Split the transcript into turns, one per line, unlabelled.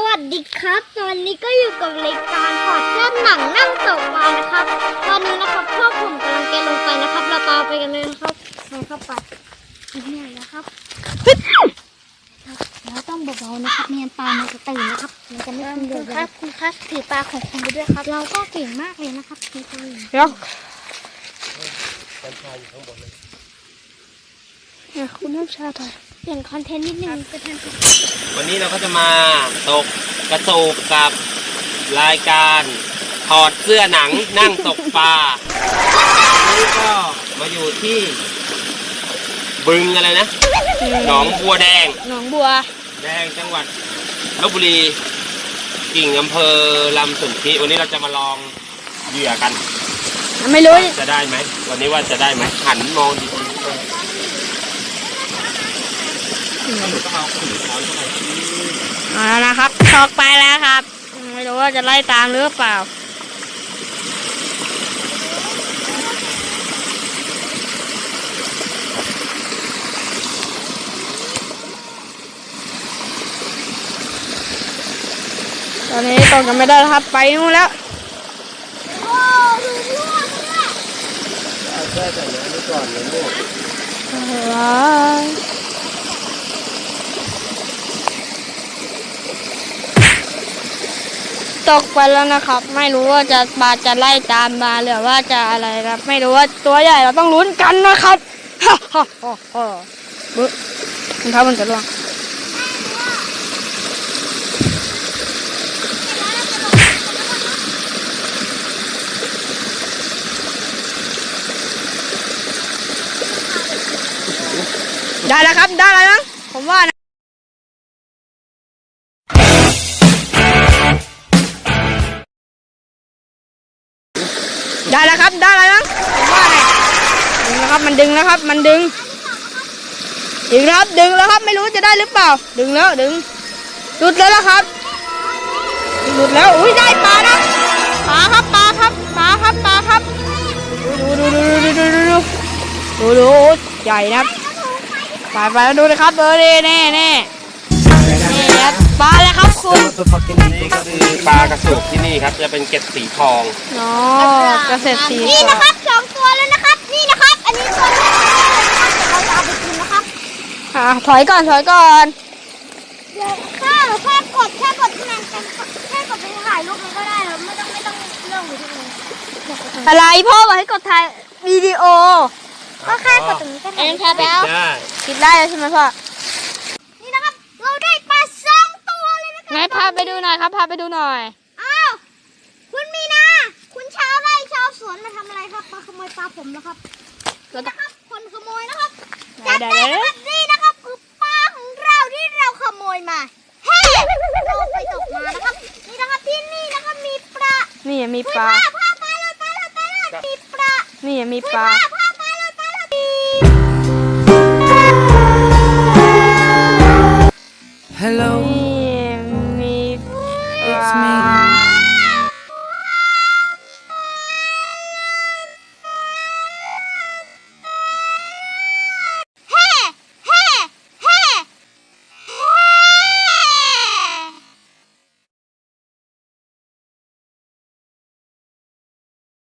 วัสดีครับตอนนี้ก็อยู่กับรายการถอดเสื้อหนังนั่งตกปลานะครับตอนนี้นะครับพวกผมกำลังแกะลงไปนะครับเราตามไปกันเลยนะครับไปเข้าไปเนี่ยนะครับเราต้องเบาๆนะครับเนียนปลามันจะตื่นนะครับมันจะไม่ขึ้นเดือดครับคุณครับถือปลาของคุณไปด้วยครับเราก็เก่งมากเลยนะครับคุณตัวเดี๋ยวคุณน้ำชาถ่ายเปลี่ยนคอนเทนต์นิดนึง
วันนี้เราก็จะมาตกกระโจกกับรายการถอดเสื้อหนังนั่งตกปลาวันนี้ก็มาอยู่ที่บึงอะไรนะหนองบัวแดง
หนองบัว
แดงจังหวัดลพบุรีกิ่งอำเภอลำสุนทรีวันนี้เราจะมาลองเหยื่อกัน
ไม่รู้
จะได้ไหมวันนี้ว่าจะได้ไหมหันมองดี
เอาแล้วนะครับตกไปแล้วครับไม่รู้ว่าจะไล่ตามหรือเปล่าตอนนี้ตกกันไม่ได้แล้วครับไปนู่นแล้วโอ้ดูรั่วเลย
แค่แต่น้ำไม่ก่อนเลยลูก
ตกไปแล้วนะครับไม่รู้ว่าจะปลาจะไล่ตามมาหรือว่าจะอะไรครับไม่รู้ว่าตัวใหญ่เราต้องลุ้นกันนะครับฮ่าฮ่าฮ่าฮ่าบึ้งนะครับมันจะล่วงได้แล้วครับได้แล้วมั้งผมว่านะได้แล้วครับได้แล้วมั้งผมว่าไงดึงแล้วครับมันดึงแล้วครับมันดึงครับดึงแล้วครับไม่รู้จะได้หรือเปล่าดึงแล้วดึงหลุดแล้วครับหลุดแล้วอุ้ยได้ปลานะปลาครับปลาครับปลาครับปลาครับดูใหญ่นะไปแล้วดูนะครับแน่ครับปลาแล้วครับคุณ
นี่ก็คือปลากระสุกที่นี่ครับจะเป็นเกล็ดสีทอง
อ๋อกระเสร็จสีนี่นะครับ2 ตัวแล้วนะครับนี่นะครับอันนี้ตัวนี้เราจะเอาไปกินนะครับถอยก่อนเดี๋ยวแค่กดที่นั่นแค่กดไปถ่ายรูปมันก็ได้แล้วไม่ต้องเรื่องอยู่ที่นี่อะไรพ่อบอกให้กดถ่ายวิดีโอก็แค่กดตรงนี้ก็ได้แค่แล้วคิดได้ใช่ไหมพ่อนี่นะครับเราได้ปลา2 ตัวเลยนะครับไหนพาไปดูหน่อยครับพาไปดูหน่อยอ้าวคุณมีนาคุณชาวไร่ชาวสวนมาทำอะไรครับมาขโมยปลาผมแล้วครับนี่นะครับคนขโมยนะครับจับได้นะครับนี่นะครับคือปลาของเราที่เราขโมยมาเฮ้เราไปตกมานะครับนี่นะครับที่นี่นะครับมีปลานี่มีปลาปลาเลยมีปลานี่มีปลา
Hello